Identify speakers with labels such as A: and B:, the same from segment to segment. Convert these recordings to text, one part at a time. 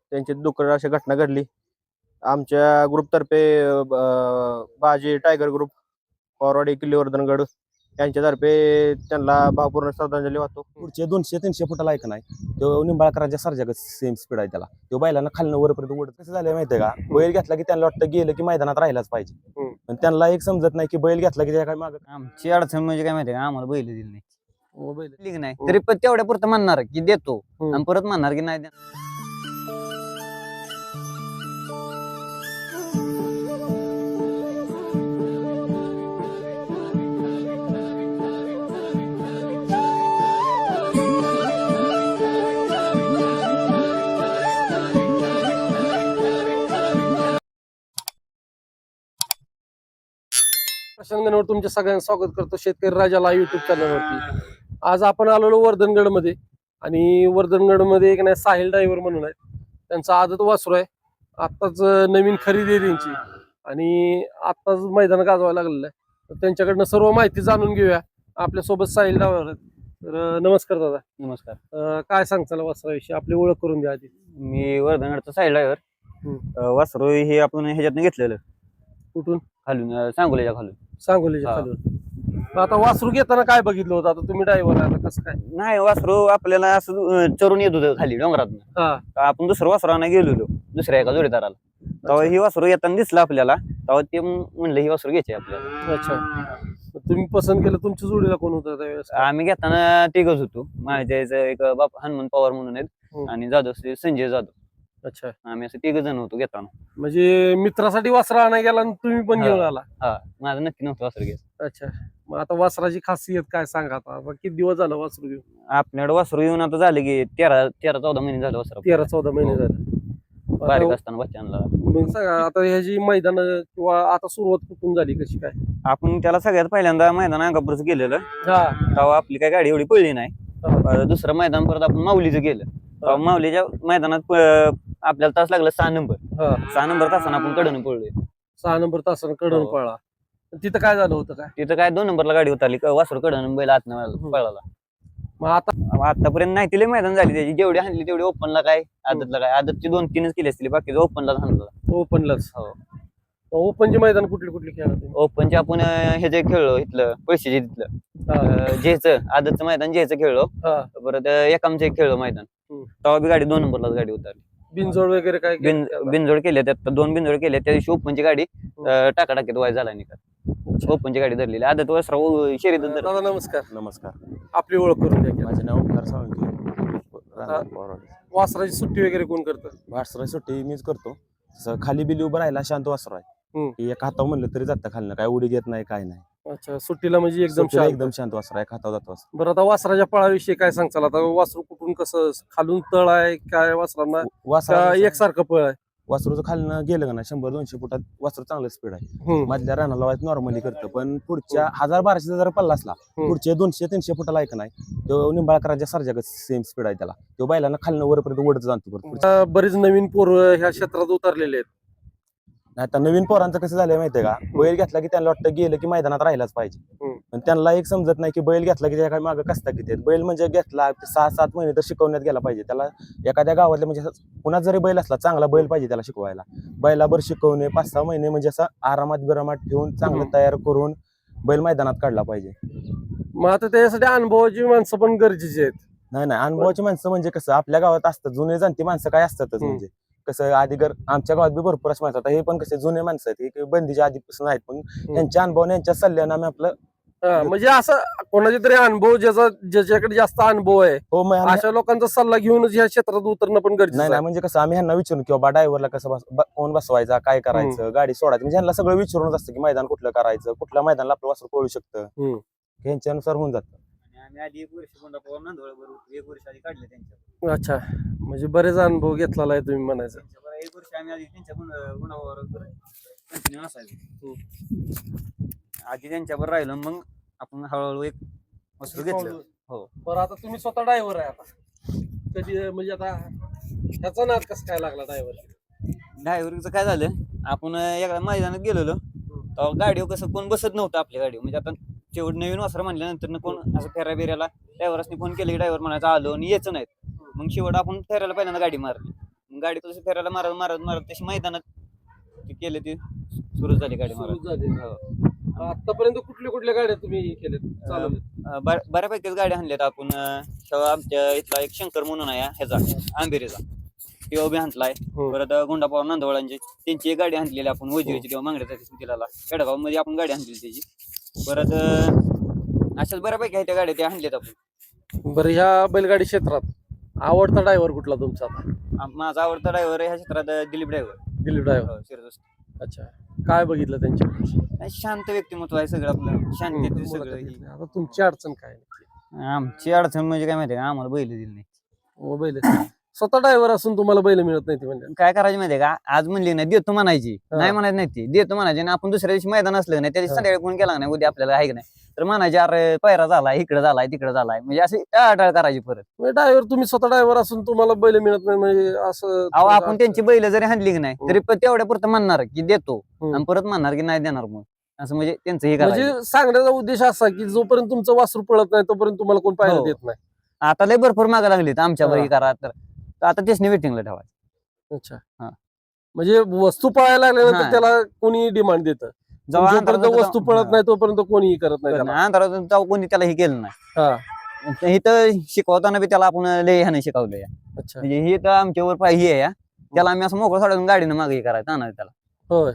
A: त्यांची दुःखद अशी घटना घडली. आमच्या ग्रुपतर्फे बाजी टायगर ग्रुप फॉरवर्ड किल्लीवर्धनगड यांच्यातर्फे त्यांना भावपूर्ण श्रद्धांजली वाहतो.
B: पुढचे 200-300 फुटाला ऐक नाही तो निंबाळकरांच्या सारख्या सेम स्पीड आहे त्याला. तो बैलांना खालनं वरपर्यंत ओढत कसं झालं माहितीये का, बैल घेतला की त्यांना वाटतं गेलं की मैदानात राहिलाच पाहिजे. पण त्यांना एक समजत नाही की बैल घेतला की त्या काय माग.
C: आमची अडचण म्हणजे काय माहितीये का, आम्हाला बैल दिली नाही दिली नाही तरी पण तेवढ्या पुरतं म्हणणार की देतो आणि परत म्हणणार की नाही देणार.
D: प्रशांगणवर तुमच्या सगळ्यांचं स्वागत करतो शेतकरी राजाला युट्यूब चॅनलवरती. आज आपण आलेलो वर्धनगडमध्ये आणि वर्धनगडमध्ये एक नाही साहिल ड्रायव्हर म्हणून आहे. त्यांचा आदत वासरू आहे. आत्ताच नवीन खरेदी आहे त्यांची आणि आत्ताच मैदान गाजवायला लागलेलं आहे. तर त्यांच्याकडनं सर्व माहिती जाणून घेऊया. आपल्यासोबत साहिल ड्रायव्हर आहेत. तर नमस्कार दादा.
C: नमस्कार.
D: काय सांगताल वासराविषयी, आपली ओळख करून द्या आधी.
C: मी वर्धनगडचा साईड ड्रायव्हर. वासरू हे आपण ह्याच्यातनं घेतलेलं
D: कुठून?
C: खालून सांगोल्याच्या खालून.
D: सांगोलीच्या
C: हा.
D: खालून. आता वासरू घेताना काय बघितलं होतं? आता तुम्ही ड्रायव्हर आहे, आता कसं काय?
C: नाही वासरू आपल्याला असं चरून येत होतं खाली डोंगरातनं.
D: हा.
C: आपण दुसरं वासरू आणायला गेलेलो दुसऱ्या एका जोडीदाराला. तेव्हा ही वासरू येताना दिसलं आपल्याला, तेव्हा ते म्हणलं ही वासरू घ्यायची आपल्याला.
D: अच्छा, तुम्ही पसंत केलं. तुमच्या जोडीला कोण होतं त्यावेळेस?
C: आम्ही घेताना तिघच होतो. माझ्या एक बाप हनुमान पवार म्हणून आहेत आणि जाधव श्री संजय जाधव.
D: अच्छा,
C: आम्ही असं तिघ जण होतो घेताना.
D: म्हणजे मित्रासाठी वासरा आणायला गेला आणि तुम्ही पण घेऊन आला?
C: हा, माझं नक्की नव्हतं वासरू घ्यायचं.
D: अच्छा, मग आता वासराची खासियत काय सांगा? आता किती दिवस झालं वासरू घेऊन?
C: आपल्याकडे वासरू येऊन आता झाले की 13-14 महिने झाले वासरू.
D: 13-14 महिने झाले.
C: बारीक
D: आता
C: असताना बच्चांना.
D: मग सांगा आता ह्याची मैदान किंवा आता सुरुवात कुठून झाली, कशी काय?
C: आपण त्याला सगळ्यात पहिल्यांदा मैदान अंगापूरचं गेलेलं.
D: हा.
C: तेव्हा आपली काय गाडी एवढी पळली नाही.
D: हा.
C: दुसरं मैदान परत आपण माऊलीचं गेलं. तेव्हा माऊलीच्या मैदानात आपल्याला तास लागला 6 नंबर.
D: हा.
C: 6 नंबर तासानं आपण कडून पळलोय.
D: 6 नंबर तासानं कडून
C: हो.
D: पळला. तिथं काय झालं होतं काय?
C: तिथं काय 2 नंबरला गाडी उतरली, वासरू कडून बैल आतनं पळाला.
D: मग आता
C: आतापर्यंत नाही तिला मैदान झाली त्याची, जेवढी हाणली तेवढी ओपनला काय आदतला काय. आदतची 2-3च केली असतील, बाकी ओपनला हाणला.
D: ओपनलाच?
C: हो.
D: ओपनचे मैदान कुठली कुठली खेळा तुम्ही?
C: ओपनचे आपण हे जे खेळलो इथलं पैशाचे तिथलं जेचं आदतचं मैदान जेचं खेळलो.
D: हा.
C: परत एकामचं एक खेळलो मैदान. तेव्हा बी गाडी 2 नंबरलाच गाडी उतरली.
D: बिनजोड वगैरे काय केलं?
C: बिनजोड केले, त्यात 2 बिनजोड केले. त्या दिवशी ओपनची गाडी टाकाटाकीत वाय झाला निकाल. ओपनची गाडी धरलेली आदत वासरा शरीर.
D: दादा नमस्कार.
B: नमस्कार,
D: आपली ओळख करून द्या की.
B: माझे नाव ओंकार साळुंखे.
D: वासराची सुट्टी वगैरे कोण करतं?
B: वासरा सुट्टी मीच करतो. तसं खाली बिली उभं राहिला शांत वासरा आहे. एक हातावर म्हणलं तरी जातं खालनं, काय उडी घेत नाही काय नाही.
D: अच्छा, सुट्टीला म्हणजे एकदम
B: सुट्टीला
D: शांत.
B: एकदम शांत वासरा आहे, हातावर जातो वासरा.
D: बरं, आता वासराच्या पळाविषयी काय सांगचाल? आता वासरू कुठून कसं खालून तळ आहे काय वासरांना?
B: वासरा
D: एकसारखं पळ आहे?
B: वासरूचं खालनं गेलं का ना 100-200 फुटात वासरू चांगलं स्पीड आहे. मधल्या रानाला वाईट नॉर्मली करतं, पण पुढच्या 1000-1200 जर पल्ला असला पुढचे 200-300 फुटाला ऐक नाही तो निंबाळकरांच्या सारख्या सेम स्पीड आहे त्याला. तो बैलांना खालनं वरपर्यंत ओढत जातो.
D: आता बरेच नवीन पोरं ह्या क्षेत्रात उतरलेले आहेत.
B: आता नवीन पोरांचं कसं झालंय माहितीये का, बैल घेतला की त्यांना वाटतं गेलं की मैदानात राहिलाच पाहिजे. पण त्यांना एक समजत नाही की बैल घेतला की त्या काय मागं कसता किती आहेत. बैल म्हणजे घेतला 6-7 महिने तर शिकवण्यात गेला पाहिजे त्याला. एखाद्या गावातल्या म्हणजे पुन्हा जरी बैल असला चांगला बैल पाहिजे त्याला शिकवायला. बैलाभर शिकवणे 5-6 महिने म्हणजे असं आरामात बिरामात ठेवून चांगलं तयार करून बैल मैदानात काढला पाहिजे.
D: मग आता त्याच्यासाठी अनुभवाची माणसं पण गरजेची आहेत.
B: नाही अनुभवाची माणसं म्हणजे कसं आपल्या गावात असतात जुने जाणती माणसं काय असतातच. म्हणजे कसं आधी आमच्या गावात बी भरपूर असं माणसं. हे पण कसे जुने माणसं आहेत, हे बंदीच्या आधीपासून आहेत, पण यांच्या अनुभवाने यांच्या सल्ल्याने आम्ही आपलं
D: म्हणजे असं कोणाचे तरी अनुभव ज्याच्याकडे जास्त अनुभव आहे अशा लोकांचा सल्ला घेऊनच ह्या क्षेत्रात उतरणं पण गरजेचं
B: नाही. म्हणजे कसं आम्ही ह्यांना विचारून की बाबा ड्रायव्हरला कसं कोण बसवायचा, काय करायचं, गाडी सोडायचं, म्हणजे ह्यांना सगळं विचारूनच असतं की मैदान कुठलं करायचं, कुठल्या मैदानाला आपलं वासरू पळू शकतं, ह्यांच्यानुसार होऊन जातं.
C: आम्ही आधी 1 वर्ष कोंडापूर नंदवळवर 1 वर्ष आधी काढले त्यांच्या.
D: अच्छा, म्हणजे बरेच अनुभव घेतलेला आहे तुम्ही म्हणायचं.
C: 1 वर्ष आम्ही आधी त्यांच्या गुणावर कंटिन्यू असायचो. आधी त्यांच्यावर राहिलं, मग आपण हळूहळू एक वस्तू घेतलं. हो.
D: बरं, आता तुम्ही स्वतः ड्रायव्हर आहे. आता कधी म्हणजे आता ह्याचा नाद कसं काय लागला
C: ड्रायव्हरचं काय झालं, आपण एका मैदानात गेलेलो तेव्हा गाडीवर कसं कोण बसत नव्हतं आपल्या गाडीवर. म्हणजे आता शेवट नवीन वासरा म्हणल्यानंतर कोण असं फेऱ्या बिऱ्याला ड्रायव्हरसनी फोन केले की ड्रायव्हर म्हणायचं आलो आणि यायचं नाहीत. मग शेवट आपण फेऱ्याला पहिल्यांदा गाडी मारली. गाडी कसं फिरायला मारत मारत मारत तशी मैदानात ते केले ते सुरू झाली गाडी
D: सुरू
C: मारत.
D: झाली.
C: हो.
D: आतापर्यंत कुठल्या गाड्या तुम्ही केल्यात चालवल्यात?
C: बऱ्यापैकी गाड्या आणल्यात आपण. तेव्हा आमच्या इथला एक शंकर म्हणून आहे ह्याचा आंबेरीचा, तेव्हा बी हाणलाय.
D: हो.
C: परत गुंडापाव नांदवळांची त्यांची एक गाडी आणलेली आपण वजिरीची, तेव्हा मांगड्याचा तिला खेडगाव मध्ये आपण गाडी आणलेली त्याची. परत अशाच बऱ्यापैकी आहे त्या गाड्या त्या आणल्यात आपण.
D: बरं, ह्या बैलगाडी क्षेत्रात आवडता ड्रायव्हर कुठला तुमचा आता?
C: माझा आवडता ड्रायव्हर ह्या क्षेत्रात दिलीप ड्रायव्हर.
D: दिलीप ड्रायव्हर. अच्छा, काय बघितलं त्यांच्या?
C: शांत व्यक्तिमत्व आहे सगळं आपलं, शांती सगळं.
D: आता तुमची अडचण काय नक्की?
C: आमची अडचण म्हणजे काय माहितीये का, आम्हाला बैल दिली नाही.
D: बैल स्वतः ड्रायव्हर असून तुम्हाला बैल मिळत नाही ते म्हणजे?
C: काय करायचं माहितीये का, आज म्हणली ना देतो म्हणायची,
D: हा.
C: नाही म्हणायची नाही, ती देतो म्हणायची ना. आपण दुसऱ्या दिवशी मैदान असलं नाही त्या दिवशी संध्याकाळी फोन केला नाही, उद्या आपल्याला आहे की नाही, तर म्हणायचे अरे पैरा झालाय, इकडे झालाय तिकडे झालाय, म्हणजे अशी टाळाटाळ करायची परत.
D: ड्रायव्हर तुम्ही स्वतः ड्रायव्हर असून तुम्हाला बैल मिळत नाही म्हणजे असं?
C: अहो आपण त्यांची बैल जरी हाणली की नाही तरी पण तेवढ्या पुरतं म्हणणार की देतो
D: हम्म.
C: आणि परत म्हणणार की नाही देणार, मग असं म्हणजे त्यांचं हे करायचं.
D: म्हणजे सांगण्याचा उद्देश असा की जोपर्यंत तुमचं वासरू पळत नाही तोपर्यंत तुम्हाला कोण पाहायला
C: हो.
D: देत नाही.
C: आता लय भरपूर मागा लागली आमच्या
D: हा.
C: बरी करा, तर आता तेच वेटिंगला ठेवायचं.
D: अच्छा,
C: हा.
D: म्हणजे वस्तू पळायला लागल्यानंतर
C: हा.
D: त्याला कोणी डिमांड देतं?
C: जेव्हा
D: जोपर्यंत
C: अंधारात
D: वस्तू पळत नाही तोपर्यंत कोणीही करत नाही त्याला.
C: अंधारात तेव्हा कोणी त्याला हे केलं
D: हा.
C: नाही. इथं शिकवताना बी त्याला आपण लय ह्याने शिकवलंय.
D: अच्छा,
C: म्हणजे हे तर आमच्यावर पाहिजे आहे, त्याला आम्ही असं मोकळं सोडून गाडीनं मागे हे करायचं आणणार त्याला.
D: होय.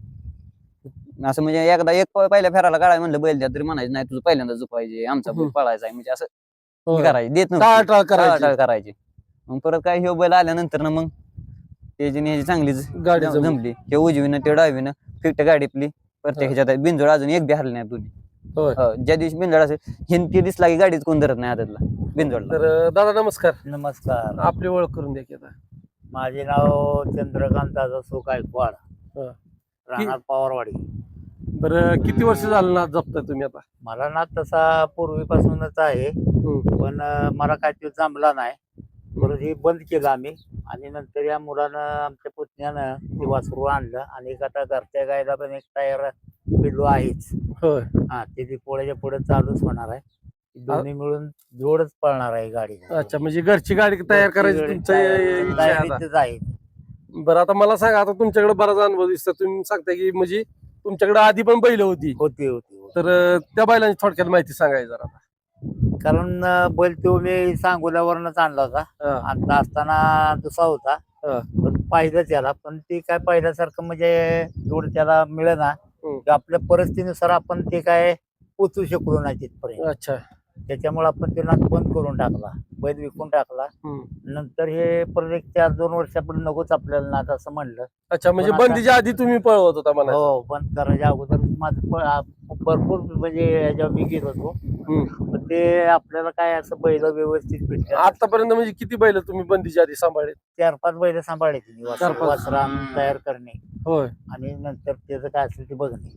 C: असं म्हणजे एकदा एक पहिल्या फेराला गाडा म्हणलं बैल द्या तरी म्हणायचं नाही, तुझं पहिल्यांदा झुपायचे, आमचा बैल
D: हम्म.
C: पळायचा आहे, म्हणजे असं हे
D: होय.
C: करायचं, देत
D: टाळाटाळ करायची.
C: टाळाटाळ करायची. मग परत काय हे बैल आल्यानंतर ना मग त्याची चांगलीच
D: गाडी जमली.
C: जमली. ते उजवीनं ते डावीनं फिक्ट गाडी आपली प्रत्येकाच्या बिंजोड अजून एक बी हरली नाही दोन्ही.
D: होय.
C: हो, ज्या दिवशी बिंजोड असेल हे दिसला की गाडीच कोण धरत नाही आदतला बिंजोडला.
D: तर दादा नमस्कार,
E: नमस्कार.
D: आपली ओळख करून द्या की आता.
E: माझे नाव चंद्रकांत दादासो गायकवाड,
D: हा.
E: राहणार पवारवाडी.
D: बरं, किती वर्ष झालं ना जपताय तुम्ही आता?
E: मला ना तसा पूर्वीपासूनच आहे, पण मला काय ते जमला नाही. परत हे बंद केलं आम्ही, आणि नंतर या मुलानं आमच्या पुतण्यानं ते वासरू आणलं, आणि एक आता घरच्या गायला पण एक टायर पिल्लू आहेच.
D: होय.
E: हा, ते दिपोळ्याच्या पुढे चालूच होणार आहे. दोन्ही मिळून जोडच पळणार आहे गाडी.
D: अच्छा, म्हणजे घरची गाडी तयार करायची तुमचं इच्छा आहे आता?
E: तयारीतच आहे.
D: बरं, आता मला सांगा, आता तुमच्याकडे बराच अनुभव दिसतो, तुम्ही सांगता की म्हणजे तुमच्याकडे आधी पण बैल होती,
E: होती.
D: तर त्या बैलांची थोडक्यात माहिती सांगायची जरा आता.
E: कारण बैल तो मी सांगोल्यावरनच आणला होता.
D: हा.
E: आणता असताना दुसरा होता,
D: हा.
E: पण पाहिलं त्याला, पण ते काय पाहिल्यासारखं म्हणजे जोड त्याला मिळेना.
D: हम्म.
E: आपल्या परिस्थितीनुसार आपण ते काय पोचू शकलो नाही तिथपर्यंत.
D: अच्छा.
E: त्याच्यामुळे आपण ते नाच बंद करून टाकला, बैल विकून टाकला.
D: हम्म.
E: नंतर हे परत एक 4-2 वर्षापर्यंत नकोच आपल्याला नाच असं म्हणलं.
D: अच्छा, म्हणजे
E: पण आता-
D: बंदीच्या आधी तुम्ही पळवत होता म्हणा?
E: हो, बंद करायच्या अगोदर माझं भरपूर म्हणजे याच्यावर मी घेत होतो, पण ते आपल्याला काय असं बैल व्यवस्थित भेटले.
D: आतापर्यंत म्हणजे किती बैल तुम्ही बंदीच्या आधी सांभाळले?
E: 4-5 बैल सांभाळले तिने,
D: 4-5.
E: वासरा तयार करणे
D: होय.
E: आणि नंतर त्याचं काय असेल ते बघणे.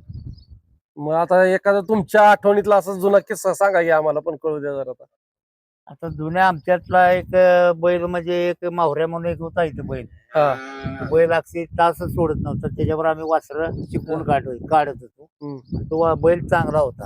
D: मग आता एखादा तुमच्या आठवणीतला असा जुना किस्सा सांगा की आम्हाला पण कळू द्या जरा आता.
E: आता जुन्या आमच्यातला एक बैल म्हणजे एक माहुऱ्या म्हणून एक होता इथं बैल.
D: हा.
E: तो बैल अगदी तासच सोडत नव्हता, त्याच्यावर आम्ही वासर शिकवून काढत होतो. तो बैल चांगला होता.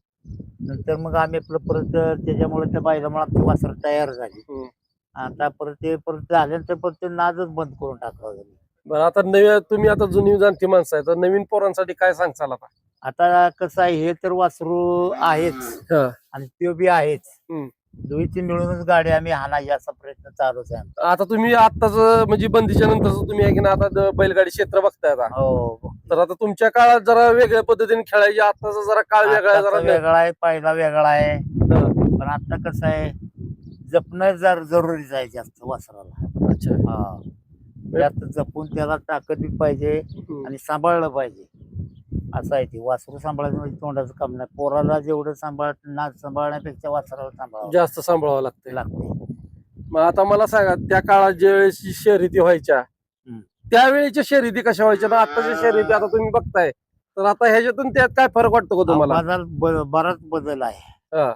E: नंतर मग आम्ही आपलं परत त्याच्यामुळे त्या बैलामुळे आमची वासर तयार झाली. आता परत झाल्यानंतर परत ते नादच बंद करून टाकला होता.
D: बरं, आता नवीन तुम्ही आता जुनी जाणती माणसं आहे, तर नवीन पोरांसाठी काय सांगचाल आता?
E: आता कसं आहे, हे तर वासरू आहेच
D: हा.
E: आणि तो बी आहेच.
D: हम्म.
E: दोन्हीची मिळूनच गाडी आम्ही हाणायची असा प्रयत्न चालूच आहे आमचा.
D: आता तुम्ही आताच म्हणजे बंदीच्या नंतर तुम्ही आहे की ना आता बैलगाडी क्षेत्र बघताय आता,
E: हो,
D: तर आता तुमच्या काळात जरा वेगळ्या पद्धतीने खेळायची, आताचा जरा काळ वेगळा आहे,
E: आत्ताचा
D: जरा
E: वेगळा आहे, पहिला वेगळा आहे.
D: हा.
E: पण आता कसं आहे, जपणं जरुरीच आहे जास्त वासराला.
D: अच्छा.
E: हा, त्यात जपून त्याला ताकद बी पाहिजे आणि सांभाळलं पाहिजे. असं आहे, ते वासरू सांभाळायचं म्हणजे तोंडाचं काम नाही. पोराला जेवढं सांभाळण्यापेक्षा वासराला सांभाळावं
D: जास्त सांभाळावं लागतं.
E: लागते.
D: मग आता मला सांगा, त्या काळात ज्या वेळेस शर्यती व्हायच्या त्यावेळेच्या शर्यती कशा व्हायच्या ना आताच्या शर्यती आता तुम्ही बघताय, तर आता ह्याच्यातून त्यात काय फरक वाटतो का तुम्हाला?
E: बराच बदल आहे.
D: हा.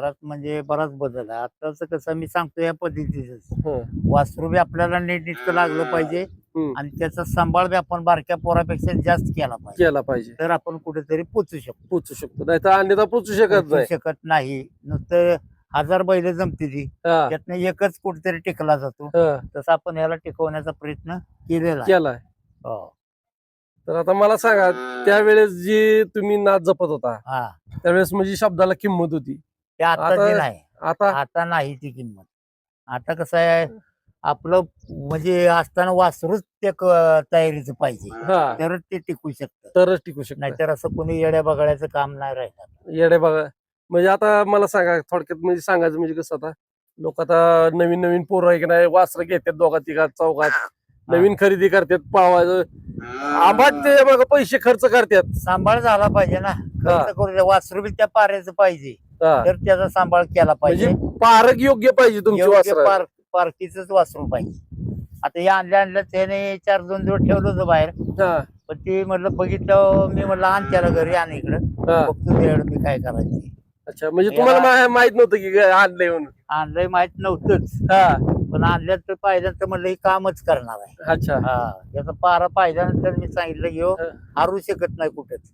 E: बराच बदल आहे. आताच कसं मी सांगतो या पद्धतीच
D: हं.
E: वासरू बी आपल्याला नीटनेटकं लागलं पाहिजे आणि त्याचा सांभाळ बी आपण बारक्या पोरापेक्षा जास्त केला पाहिजे, तर आपण कुठेतरी पोचू
D: पोचू शकतो, नाही तर अन्यथा पोचू शकत
E: पोचू
D: नाही.
E: शकत नाही. नुसतं 1000 बैल जमते ती
D: हा,
E: त्यातनं एकच कुठेतरी टिकला जातो
D: हा,
E: तसं आपण ह्याला टिकवण्याचा प्रयत्न केलेला आहे.
D: केलाय.
E: हो.
D: तर आता मला सांगा, त्यावेळेस जी तुम्ही नाच जपत होता
E: हा
D: त्यावेळेस म्हणजे शब्दाला किंमत होती.
E: ते आता
D: आता-
E: नाही,
D: आता
E: आता नाही ती किंमत. आता कसं आहे आपलं म्हणजे असताना वासरूच त्या तयारीचं पाहिजे
D: हा,
E: तरच ते टिकू शकतं.
D: तरच टिकू शकत.
E: नाहीतर असं कोणी येड्या बघायचं काम नाही राहिलं.
D: येडे बघा, म्हणजे आता मला सांगा थोडक्यात, म्हणजे सांगायचं म्हणजे कसं, आता लोक आता नवीन नवीन पोरं आहे की नाही वासरं घेतात दोघा तिघात चौघात, नवीन खरेदी करतात पावायचं आंबाट ते बघा पैसे खर्च करतात.
E: सांभाळ झाला पाहिजे ना, खर्च करू द्या. वासरू बी त्या पाऱ्याचं पाहिजे
D: हा,
E: तर त्याचा सांभाळ केला
D: म्हणजे
E: पाहिजे.
D: पारख योग्य पाहिजे तुमची वासरं.
E: पार्टीच वासरू पाहिजे. आता हे आणल्या त्याने 4-2 दिवस ठेवलं होतं बाहेर,
D: हा,
E: पण ते म्हटलं बघितलं, मी म्हटलं आण त्याला घरी आण इकडं,
D: हा.
E: बघतो त्यावेळेस मी काय करायचं.
D: अच्छा, म्हणजे तुम्हाला माहित नव्हतं की आणलंय म्हणून.
E: आणलंय माहित नव्हतंच,
D: हा,
E: पण आणल्यात तर पाहिल्यानंतर म्हटलं हे कामच करणार आहे.
D: अच्छा.
E: हा, याचा पारा पाहिल्यानंतर मी सांगितलं की हो,
D: हा.
E: हारू शकत नाही कुठेच.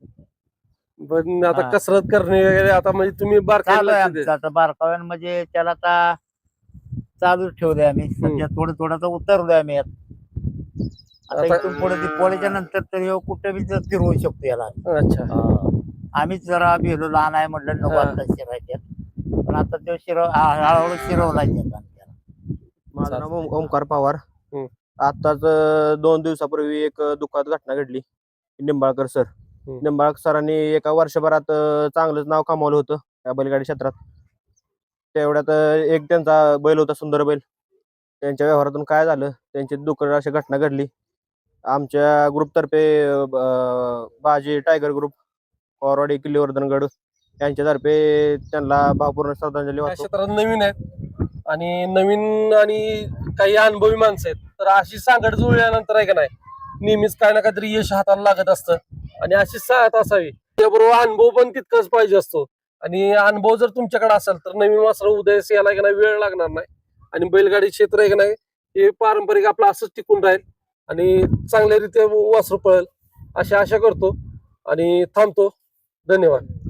D: पण आता
E: हा.
D: कसरत करणे वगैरे आता म्हणजे तुम्ही
E: चालू आहे
D: बारकाईला
E: आमचं आता बारकाव्यान, म्हणजे त्याला आता चालूच ठेवलंय आम्ही. सध्या थोडं थोडं तर उतरलोय आम्ही यात. आता
D: आता-
E: इथून पुढे दिवाळीच्या नंतर तर ह्यो कुठे बी फिरवू शकतो याला.
D: अच्छा.
E: आम्हीच जरा भेलो लहान आहे म्हटलं नको
D: हा.
E: आता शिरायच्यात, पण आता तो हळूहळू शिरवला त्याला.
A: माझं नाव ओमकार पवार.
D: हम्म.
A: आताच 2 दिवसापूर्वी एक दुःखद घटना घडली. निंबाळकर सर,
D: हम्म.
A: निंबाळकर सरांनी एका वर्षभरात चांगलंच नाव कमावलं होतं या बैलगाडी क्षेत्रात. तेवढ्यात एक त्यांचा बैल होता, सुंदर बैल. त्यांच्या व्यवहारातून काय झालं, त्यांची दुःखद अशी घटना घडली. आमच्या ग्रुपतर्फे बाजी टायगर ग्रुप, फॉरवर्ड किल्लीवर्धनगड यांच्यातर्फे त्यांना भावपूर्ण श्रद्धांजली
D: या
A: वाहतो.
D: क्षेत्रात नवीन आहेत आणि नवीन आणि काही अनुभवी माणसं आहेत, तर अशी सांगड जुळल्यानंतर आहे का नाही, नेहमीच काय ना काहीतरी यश हाताला लागत असतं आणि अशी साथ असावी. त्याबरोबर अनुभव पण तितकाच पाहिजे असतो, आणि अनुभव जर तुमच्याकडे असेल तर नवीन वासर उदयास यायला का नाही वेळ लागणार नाही, आणि बैलगाडी क्षेत्र आहे का नाही हे पारंपरिक आपलं असंच टिकून राहील आणि चांगल्या रीत्या वासरू पळेल अशी आशा करतो आणि थांबतो. धन्यवाद.